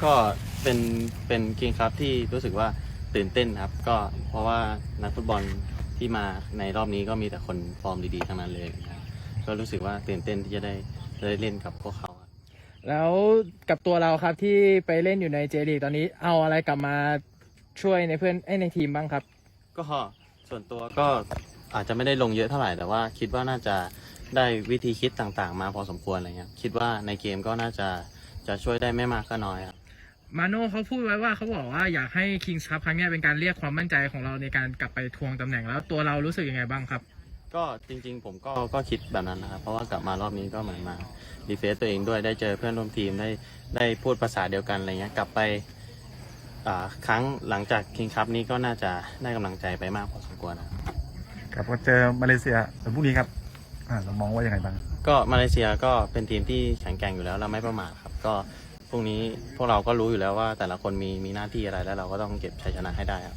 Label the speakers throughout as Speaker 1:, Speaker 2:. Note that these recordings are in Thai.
Speaker 1: ก็เป็นเป็นเกมครับที่รู้สึกว่าตื่นเต้นครับก็เพราะว่านักฟุตบอลที่มาในรอบนี้ก็มีแต่คนฟอร์มดีๆทั้งนั้นเลยนะครับก็รู้สึกว่าตื่นเต้นที่จะได้เล่นกับพวกเขาครับ
Speaker 2: แล้วกับตัวเราครับที่ไปเล่นอยู่ในเจลีกตอนนี้เอาอะไรกลับมาช่วยในเพื่อนในทีมบ้างครับ
Speaker 1: ก็ส่วนตัวก็อาจจะไม่ได้ลงเยอะเท่าไหร่แต่ว่าคิดว่าน่าจะได้วิธีคิดต่างๆมาพอสมควรอะไรเงี้ยคิดว่าในเกมก็น่าจะช่วยได้ไม่มากก็น้อยครับ
Speaker 2: มาโน่เขาพูดไว้ว่าเขาบอกว่าอยากให้ Kings Cup ครั้งนี้เป็นการเรียกความมั่นใจของเราในการกลับไปทวงตำแหน่งแล้วตัวเรารู้สึกยังไงบ้างครับ
Speaker 1: ก็จริงๆผมก็คิดแบบนั้นนะครับเพราะว่ากลับมารอบนี้ก็เหมือนมารีเฟรชตัวเองด้วยได้เจอเพื่อนร่วมทีมได้พูดภาษาเดียวกันอะไรเงี้ยกลับไปครั้งหลังจากคิงคัพนี้ก็น่าจะได้กำลังใจไปมากพอสมควรนะครับ
Speaker 3: ครับก็เจอมาเลเซียวันพรุ่งนี้ครับเรามองว่ายังไงบ้าง
Speaker 1: ก็มาเลเซียก็เป็นทีมที่แข็งแกร่งอยู่แล้วเราไม่ประมาทครับก็พรุ่งนี้พวกเราก็รู้อยู่แล้วว่าแต่ละคนมีหน้าที่อะไรแล้วเราก็ต้องเก็บชัยชนะให้ได้ครับ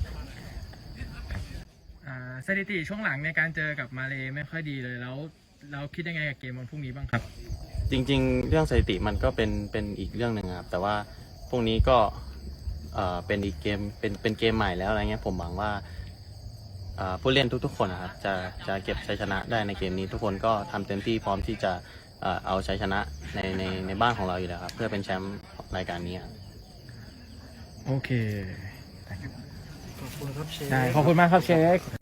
Speaker 2: สถิติช่วงหลังในการเจอกับมาเลไม่ค่อยดีเลยแล้วเราคิดยังไงกับเกมวันพรุ่งนี้บ้างครับ
Speaker 1: จริงๆเรื่องสถิติมันก็เป็นอีกเรื่องหนึ่งครับแต่ว่าพรุ่งนี้ก็เป็นอีกเกมเป็นเกมใหม่แล้วอะไรเงี้ยผมหวังว่าผู้เล่นทุกๆคนนะครับจะเก็บชัยชนะได้ในเกมนี้ทุกคนก็ทำเต็มที่พร้อมที่จะเอาชัยชนะในบ้านของเราอยู่แล้วครับเพื่อเป็นแชมป์รายการนี้ครับ
Speaker 2: โอเค
Speaker 4: ขอบคุณครับเชฟ
Speaker 2: ได้ขอบคุณมากครับเชค